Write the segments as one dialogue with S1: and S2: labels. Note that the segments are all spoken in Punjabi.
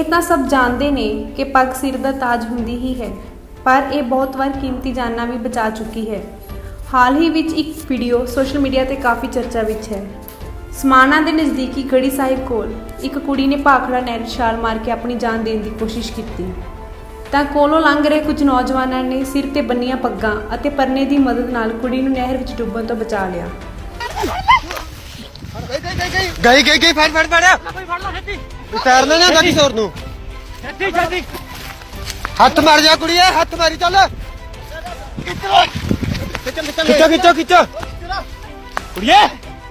S1: ਤਾਂ ਸਭ ਜਾਣਦੇ ਨੇ ਕਿ ਪੱਗ ਸਿਰ ਦਾ ਤਾਜ ਹੁੰਦੀ ਹੀ ਹੈ, ਪਰ ਇਹ ਬਹੁਤ ਵਾਰ ਕੀਮਤੀ ਜਾਨਾਂ ਵੀ ਬਚਾ ਚੁੱਕੀ ਹੈ। ਹਾਲ ਹੀ ਵਿੱਚ ਇੱਕ ਵੀਡੀਓ ਸੋਸ਼ਲ ਮੀਡੀਆ ਤੇ ਕਾਫੀ ਚਰਚਾ ਵਿੱਚ ਹੈ। ਸਮਾਣਾ ਦੇ ਨਜ਼ਦੀਕੀ ਗੜੀ ਸਾਹਿਬ ਕੋਲ ਇੱਕ ਕੁੜੀ ਨੇ ਭਾਖੜਾ ਨਹਿਰ ਛਾਲ ਮਾਰ ਕੇ ਆਪਣੀ ਜਾਨ ਦੇਣ ਦੀ ਕੋਸ਼ਿਸ਼ ਕੀਤੀ ਤਾਂ ਕੋਲੋਂ ਲੰਘ ਰਹੇ ਕੁਝ ਨੌਜਵਾਨਾਂ ਨੇ ਸਿਰ ਤੇ ਬੰਨੀਆਂ ਪੱਗਾਂ ਅਤੇ ਪਰਨੇ ਦੀ ਮਦਦ ਨਾਲ ਕੁੜੀ ਨੂੰ ਨਹਿਰ ਵਿੱਚ ਡੁੱਬਣ ਤੋਂ ਬਚਾ ਲਿਆ।
S2: ਗਈ ਫੜ ਤੈਰਨਾ ਨਾ ਗੱਡੀ ਸੋਰ ਨੂੰ
S3: ਜਲਦੀ
S2: ਹੱਥ ਮਾਰ ਜਾ ਕੁੜੀਏ, ਹੱਥ ਮਾਰੀ ਚੱਲ। ਖਿੱਚੋ
S3: ਕੁੜੀਏ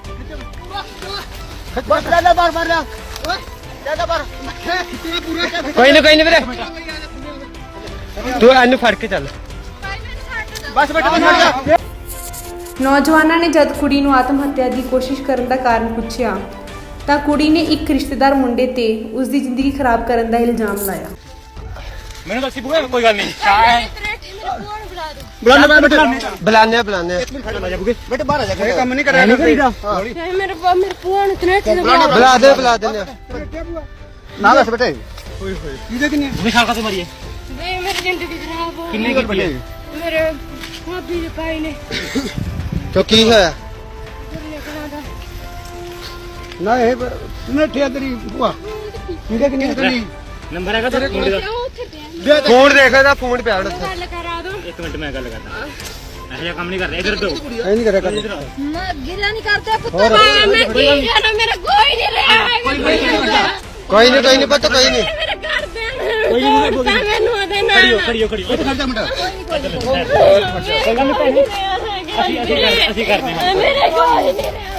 S2: ਮਾਰ ਕੋਈ ਨਾ ਵੀਰੇ, ਤੂੰ ਇਹਨੂੰ ਫੜ ਕੇ ਚੱਲ।
S3: ਬਸ ਬੈਠ
S1: ਨੌਜਵਾਨਾਂ ਨੇ ਜਦ ਕੁੜੀ ਨੂੰ ਆਤਮ ਹੱਤਿਆ ਦੀ ਕੋਸ਼ਿਸ਼ ਕਰਨ ਦਾ ਕਾਰਨ ਪੁੱਛਿਆ ਤਾਂ ਕੁੜੀ ਨੇ ਇੱਕ ਰਿਸ਼ਤੇਦਾਰ ਮੁੰਡੇ ਤੇ ਉਸ ਦੀ ਜ਼ਿੰਦਗੀ ਖਰਾਬ ਕਰਨ ਦਾ ਇਲਜ਼ਾਮ ਲਾਇਆ।
S3: ਮੈਨੂੰ ਦੱਸੀ ਬੁਗਾ ਕੋਈ ਗੱਲ ਨਹੀਂ ਚਾਹ
S2: ਬੁਲਾਨੇ
S3: ਬੇਟੇ ਬਾਹਰ ਆ ਜਾ ਕੋਈ ਕੰਮ ਨਹੀਂ ਕਰਿਆ
S4: ਮੇਰੇ ਭੂਆ ਨੂੰ ਤਨੇਠ
S2: ਬੁਲਾ ਦੇ
S3: ਨਾ ਦੱਸ ਬੇਟੇ ਕਿਹਦੇ ਕਿੰਨੇ ਤੁਸੀਂ ਖਾਲਕਾ ਤੋਂ ਮਰੀਏ
S4: ਵੇ ਮੇਰੀ ਜ਼ਿੰਦਗੀ ਖਰਾਬ ਹੋ
S3: ਕਿੰਨੇ ਕੀ ਬਣੇ
S4: ਮੇਰੇ ਭਾਬੀ ਦੇ ਭਾਈ ਨੇ
S2: ਕਿਉਂ ਕੀ ਹੋਇਆ?
S3: ਨਾ ਇਹ ਨੇਠਿਆ ਤੇਰੀ ਭੂਆ ਕਿਹਦੇ ਕਿੰਨੇ ਨੰਬਰ ਹੈਗਾ ਤੇਰੇ ਮੁੰਡੇ ਦਾ
S4: ਉੱਥੇ ਪਿਆ
S2: ਫੋਨ ਦੇਖਦਾ, ਫੋਨ ਪਿਆ ਉੱਥੇ।
S4: ਗੱਲ ਕਰਾ ਦੋ
S3: ਇੱਕ ਮਿੰਟ ਮੈਂ ਗੱਲ ਕਰਦਾ ਇਹੋ ਜਿਹਾ ਕੰਮ ਨਹੀਂ ਕਰਦੇ ਇਧਰ ਦੋ
S2: ਇਹ ਨਹੀਂ ਕਰਿਆ
S4: ਮੈਂ ਗਿਲਾ ਨਹੀਂ ਕਰਦਾ ਪੁੱਤ ਮੈਂ ਕੀ ਜਾਣਾ ਮੇਰਾ ਕੋਈ ਨਹੀਂ ਰਿਹਾ
S2: ਕੋਈ ਨਹੀਂ ਪਤਾ ਕੋਈ ਨਹੀਂ।
S4: ਮੇਰੇ ਘਰ ਦੇ ਮੈਨੂੰ ਆਦੇ ਨਾ
S3: ਖੜੀਓ ਇੱਥੇ ਖੜ ਜਾ ਮੁੰਡਾ
S4: ਅਸੀਂ ਕਰਦੇ ਹਾਂ
S3: ਅਸੀਂ
S4: ਮੇਰੇ ਕੋਈ ਨਹੀਂ ਰਿਹਾ